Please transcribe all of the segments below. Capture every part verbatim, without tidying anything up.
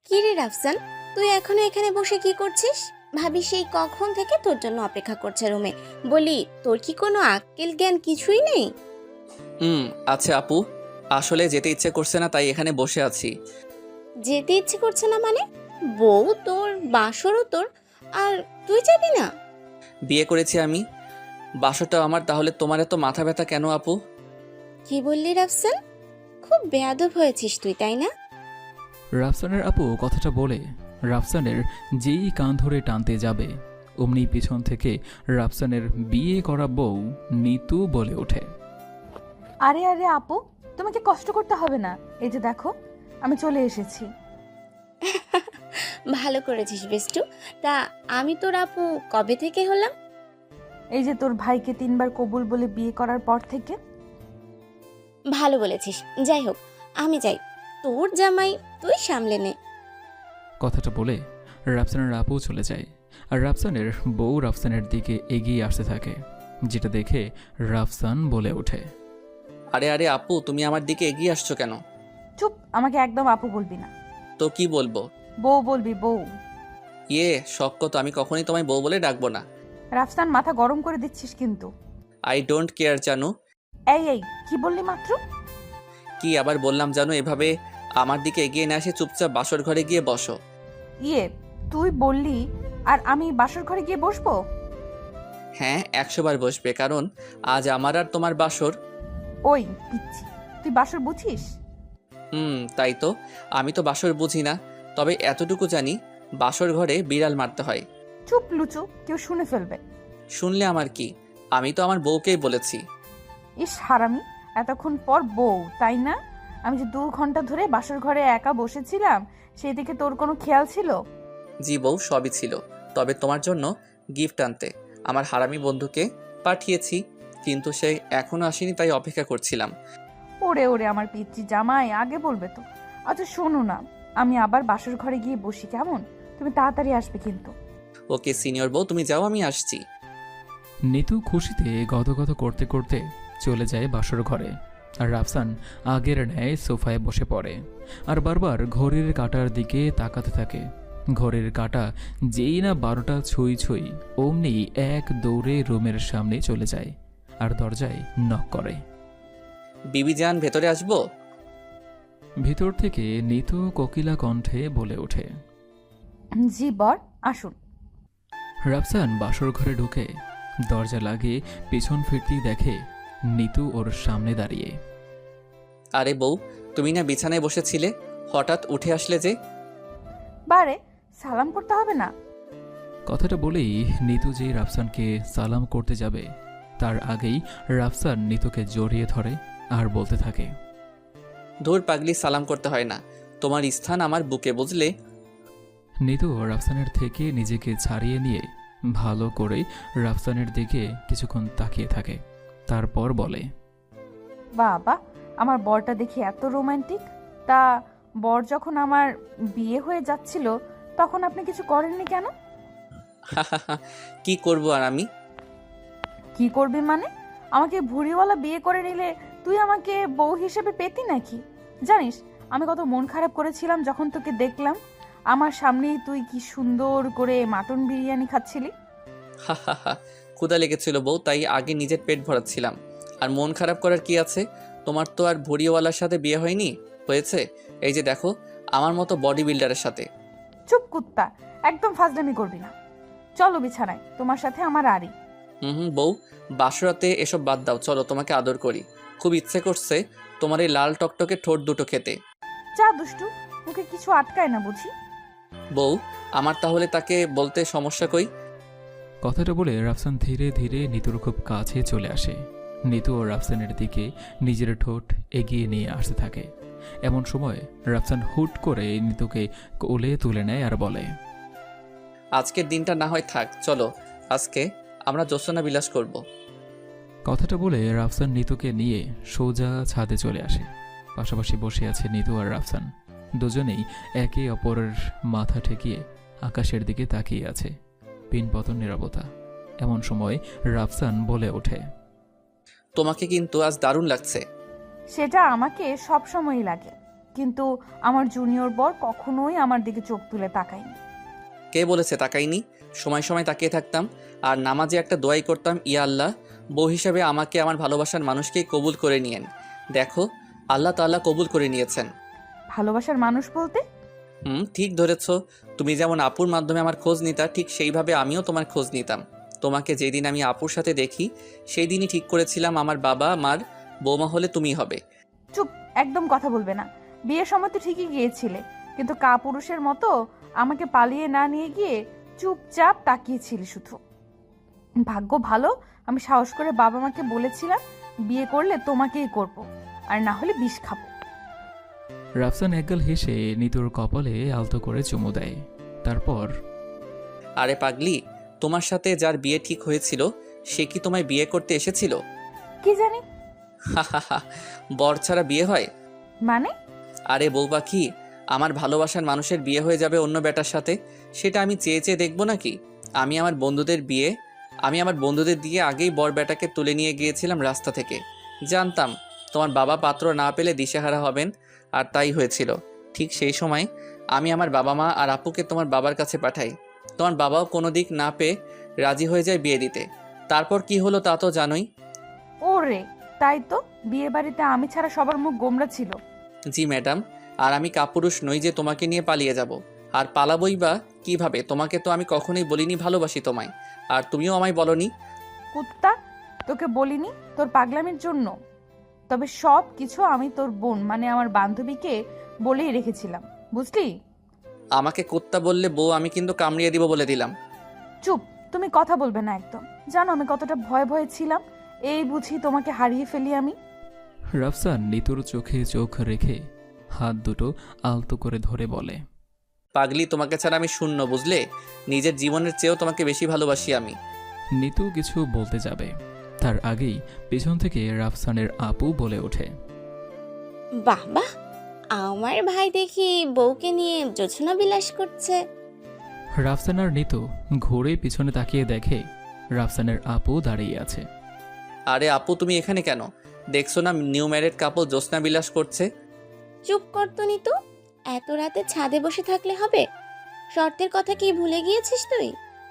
কি রে রাফসান, তুই এখনো এখানে বসে কি করছিস? ভাবি সেই কখন থেকে তোর জন্য অপেক্ষা করছে রুমে। বলি, তোর কি কোনো আক্কেল জ্ঞান কিছুই নেই? হুম আচ্ছা আপু, আসলে যেতে ইচ্ছে করছে না তাই এখানে বসে আছি। যেতে ইচ্ছে করছে না মানে? বউ তোর, বাসরও তোর, আর তুই যাবি না? বিয়ে করেছি আমি, বাসরটা আমার, তাহলে তোমার এত মাথা ব্যথা কেন আপু? কি বললি রাফসান? খুব বেয়াদব হয়েছিস তুই, তাই না? রাফসানের আপু কথাটা বলে রাফসানের যেই কান ধরে টানতে যাবে অমনি পিছন থেকে রাফসানের বিয়ে করা বউ নিতু বলে ওঠে। আরে আরে আপু, তোমাকে কষ্ট করতে হবে না, এই যে দেখো আমি চলে এসেছি। ভালো করেছিস বেষ্টু। তা আমি তোর আপু কবে থেকে হলাম? এই যে তোর ভাইকে তিনবার কবুল বলে বিয়ে করার পর থেকে। ভালো বলেছিস। যাই হোক, আমি যাই। তোর জামাই তুই সামলে নে। কথাটা বলে রাফসানের আপু চলে যায় আর রাফসানের বউ রাফসানের দিকে এগিয়ে আসতে থাকে, যেটা দেখে রাফসান বলে ওঠে। আরে আরে আপু, তুমি আমার দিকে এগিয়ে আসছো কেন? চুপ, আমাকে একদম আপু বলবি না, তো কি বলবো? বউ বলবি বউ। ইয়ে শক্ত তো, আমি কখনোই তোমায় বউ বলে ডাকবো না। রাফসান মাথা গরম করে দিচ্ছিস কিন্তু। আই ডোন্ট কেয়ার জানু। এই এই কি বললি মাত্র? কি আবার বললাম জানো? এভাবে আমার দিকে এগিয়ে না এসে চুপচাপ বাসর ঘরে গিয়ে বসো। ইয়ে, তুই বললি আর আমি বাসর ঘরে গিয়ে বসবো? হ্যাঁ, একশো বার বসবে, কারণ আজ আমার আর তোমার বাসর। ওই পিচ্ছি, তুই বাসর বুঝিস? হুম তাই তো, আমি তো বাসর বুঝি না, তবে এতটুকু জানি বাসর ঘরে বিড়াল মারতে হয়। চুপ লুচু, কেউ শুনে ফেলবে। শুনলে আমার কি? আমি তো আমার বউকেই বলেছি। ইস হারামি, এতক্ষণ পর বউ তাই না? আমি যে দু ঘন্টা ধরে বাসর ঘরে একা বসেছিলাম, সেই দিকে তোর কোনো খেয়াল ছিল? জি বউ, সবই ছিল, তবে তোমার জন্য গিফট আনতে আমার হারামি বন্ধুকে পাঠিয়েছি, কিন্তু সে এখনো আসেনি, তাই অপেক্ষা করছিলাম। ওরে ওরে আমার পিচ্চি জামাই, আগে বলবে তো। আচ্ছা শোনো না, আমি আবার বাসর ঘরে গিয়ে বসি কেমন? তুমি তাড়াতাড়ি আসবে কিন্তু। ওকে সিনিয়র বউ, তুমি যাও, আমি আসছি। নিতু খুশিতে গদগদ করতে করতে চলে যায় বাসর ঘরে আর রাফসান আগের ন্যায় সোফায় বসে পড়ে আর বারবার ঘড়ির কাঁটার দিকে তাকাতে থাকে। ঘড়ির কাঁটা যেই না বারোটা ছুঁই ছুঁই অমনি এক দৌড়ে রুমের সামনে চলে যায় আর দরজায় নক করে। বিবি জান, ভেতরে আসবো? ভিতর থেকে নিতু কোকিলা কণ্ঠে বলে ওঠে। জি বর, আসুন। রাফসান বাসর ঘরে ঢুকে দরজা লাগিয়ে পিছন ফিরতেই দেখে নিতু ওর সামনে দাঁড়িয়ে। আরে বউ, তুমি না বিছানায় বসেছিলে, হঠাৎ উঠে আসলে যে? বারে, সালাম করতে হবে না? কথাটা বলেই নিতু যেই রাফসানকে সালাম করতে যাবে তার আগেই রাফসান নিতুকে জড়িয়ে ধরে আর বলতে থাকে। ধুর পাগলি, সালাম করতে হয় না, তোমার স্থান আমার বুকে, বুঝলে? নিতু রাফসানের থেকে নিজেকে ছাড়িয়ে নিয়ে ভালো করে রাফসানের দিকে কিছুক্ষণ তাকিয়ে থাকে, তারপর বলে। বাবা, আমার বরটা দেখি এত রোমান্টিক। তা বর যখন আমার বিয়ে হয়ে যাচ্ছিল তখন আপনি কিছু করেননি কেন? কি করব আর আমি? কি করবি মানে? আমাকে ভুঁড়িওয়ালা বিয়ে করে নিলে তুই আমাকে বউ হিসেবে পেতি নাকি? জানিস আমি কত মন খারাপ করেছিলাম যখন তোকে দেখলাম আমার সামনেই তুই কি সুন্দর করে মাটন বিরিয়ানি খাচ্ছিলি। ক্ষুধা লেগেছিল বউ, তাই আগে নিজের পেট ভরাচ্ছিলাম। আর মন খারাপ করার কি আছে? তোমার তো আর ভুড়িওয়ালার সাথে বিয়ে হয়নি, হয়েছে এই যে দেখো, আমার মতো বডি বিল্ডারের সাথে। চুপ কুত্তা, একদম ফাজলামি করবি না। চলো বিছানায়, তোমার সাথে আমার আড়ি। হুম হুম বউ, বাসরাতে এসব বাদ দাও, চলো তোমাকে আদর করি। খুব ইচ্ছে করছে তোমার এই লাল টকটকে ঠোঁট দুটো খেতে। যা দুষ্টু, মুখে কিছু আটকায় না বুঝি? বউ, আমার তাহলে তাকে বলতে সমস্যা কই? কথাটা বলে রাফসান ধীরে ধীরে নিতুর খুব কাছে চলে আসে। নিতু ও রাফসানের দিকে নিজের ঠোঁট এগিয়ে নিয়ে আসতে থাকে। এমন সময় রাফসান হুট করে নিতুকে কোলে তুলে নেয় আর বলে। আজকের দিনটা না হয় থাক, চলো আজকে আমরা জ্যোৎস্না বিলাস করব। কথাটা বলে রাফসান নিতুকে নিয়ে সোজা ছাদে চলে আসে। পাশাপাশি বসে আছে নিতু আর রাফসান, দুজনেই একে অপরের মাথা ঠেকিয়ে আকাশের দিকে তাকিয়ে আছে। পিনপতন নীরবতা। এমন সময় রাফসান বলে ওঠে। তোমাকে কিন্তু আজ দারুণ লাগছে। সেটা আমাকে সব সময়ই লাগে। কিন্তু আমার জুনিয়র বর কখনোই আমার দিকে চোখ তুলে তাকায়নি। কে বলেছে তাকাইনি? সময় সময় তাকিয়ে থাকতাম আর নামাজে একটা দোয়াই করতাম, ইয়া আল্লাহ, বউ হিসাবে আমাকে আমার ভালোবাসার মানুষকেই কবুল করে নিয়েন। দেখো, আল্লাহ তাআলা কবুল করে নিয়েছেন। ভালোবাসার মানুষ বলতে? হুম, ঠিক ধরেছ। তুমি যেমন আপুর মাধ্যমে আমার খোঁজ নিতা, ঠিক সেইভাবে আমিও তোমার খোঁজ নিতাম। তোমাকে যেদিন আমি আপুর সাথে দেখি সেই দিনই ঠিক করেছিলাম আমার বাবা মার বৌমা হলে তুমি হবে। চুপ, একদম কথা বলবে না। বিয়ের সময় তো ঠিকই গিয়েছিলে, কিন্তু কাপুরুষের মতো আমাকে পালিয়ে না নিয়ে গিয়ে চুপচাপ তাকিয়েছিলি শুধু। ভাগ্য ভালো আমি সাহস করে বাবা মাকে বলেছিলাম বিয়ে করলে তোমাকেই করব, আর না হলে বিষ খাবো। রাফসান একগাল হেসে নিতুর কপালে আলতো করে চুমু দেয়। তারপর, আরে পাগলি, তোমার সাথে যার বিয়ে ঠিক হয়েছিল সে কি তোমায় বিয়ে করতে এসেছিল? কি জানি? হাহাহা, বর ছাড়া বিয়ে হয়? মানে? আরে বউ পাখি, আমার ভালোবাসার মানুষের বিয়ে হয়ে যাবে অন্য বেটার সাথে, সেটা আমি চেয়ে চেয়ে দেখবো নাকি? আমি আমার বন্ধুদের বিয়ে আমি আমার বন্ধুদের দিয়ে আগেই বর বেটাকে তুলে নিয়ে গিয়েছিলাম রাস্তা থেকে। জানতাম তোমার বাবা পাত্র না পেলে দিশেহারা হবেন, আর তাই হয়েছিল। ঠিক সেই সময় আমি আমার বাবা মা আর আপুকে তোমার বাবার কাছে পাঠাই। তোমার বাবাও কোনো দিক না পেয়ে রাজি হয়ে যায় বিয়ে দিতে। তারপর কি হলো তা তো জানোই। ওরে, তাই তো, বিয়ে বাড়িতে আমি ছাড়া সবার মুখ গোমরা ছিল। জি ম্যাডাম, আর আমি কাপুরুষ নই যে তোমাকে নিয়ে পালিয়ে যাব। আর পালাবই বা কিভাবে? তোমাকে তো আমি কখনোই বলিনি ভালোবাসি তোমায়, আর তুমিও আমায় বলনি। কুত্তা, তোকে বলিনি তোর পাগলামির জন্য। তবে সব কিছু আমি তোর বোন মানে আমার বান্ধবীকে বলেই রেখেছিলাম, বুঝলি? আমাকে কুত্তা বললে বউ আমি কিন্তু কামড়িয়ে দিব বলে দিলাম। চুপ, তুমি কথা বলবে না একদম। জানো আমি কতটা ভয়ে ভয়ে ছিলাম, এই বুঝি তোমাকে হারিয়ে ফেলি আমি। রাফসান নিতুর চোখে চোখ রেখে হাত দুটো আলতো করে ধরে বলে, পাগলি, তোমাকে ছাড়া আমি শূন্য, বুঝলে? নিজের জীবনের চেয়েও তোমাকে বেশি ভালোবাসি আমি। নিতু কিছু বলতে যাবে, তার আগেই পেছন থেকে রাফসানের আপু বলে ওঠে, বাহ বাহ, আমার ভাই দেখি বউকে নিয়ে জোছনা বিলাস করছে। রাফসান আর নিতু ঘুরে পিছনে তাকিয়ে দেখে রাফসানের আপু দাঁড়িয়ে আছে। আরে আপু, তুমি এখানে কেন? দেখছো না নিউ ম্যারেড কাপল জ্যোৎস্না বিলাস করছে? চুপ কর তো নিতু, এত রাতে ছাদে বসে থাকলে হবে? শর্তের কথা কি ভুলে গিয়েছিস তুই?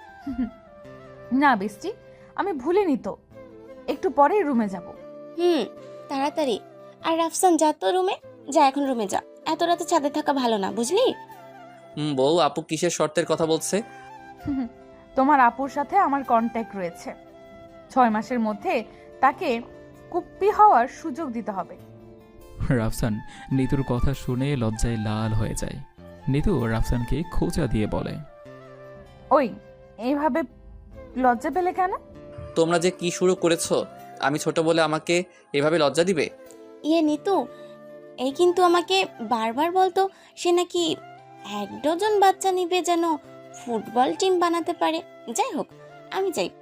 না বেস্টি, আমি ভুলিনি তো, একটু পরেই রুমে যাব। হুম, তাড়াতাড়ি। আর রাফসান, যা তো রুমে যা, এখন রুমে যা। এত রাতে ছাদে থাকা ভালো না, বুঝলি? হুম, বউ আপু কিসের শর্তের কথা বলছে? তোমার আপুর সাথে আমার কন্ট্যাক্ট রয়েছে, ছয় মাসের মধ্যে তাকে কুপ্পি হওয়ার সুযোগ দিতে হবে। রাফসান নিতুর কথা শুনে লজ্জায় লাল হয়ে যায়। নিতু রাফসানকে খোঁচা দিয়ে বলে, ওই, এইভাবে লজ্জা পেলে কেন? তোমরা যে কি শুরু করেছো? আমি ছোট বলে আমাকে এভাবে লজ্জা দিবে? ইয়ে নিতু, এই কিন্তু আমাকে বারবার বলতো সে নাকি এক ডজন বাচ্চা নিবে যেন ফুটবল টিম বানাতে পারে। যাই হোক, আমি যাই,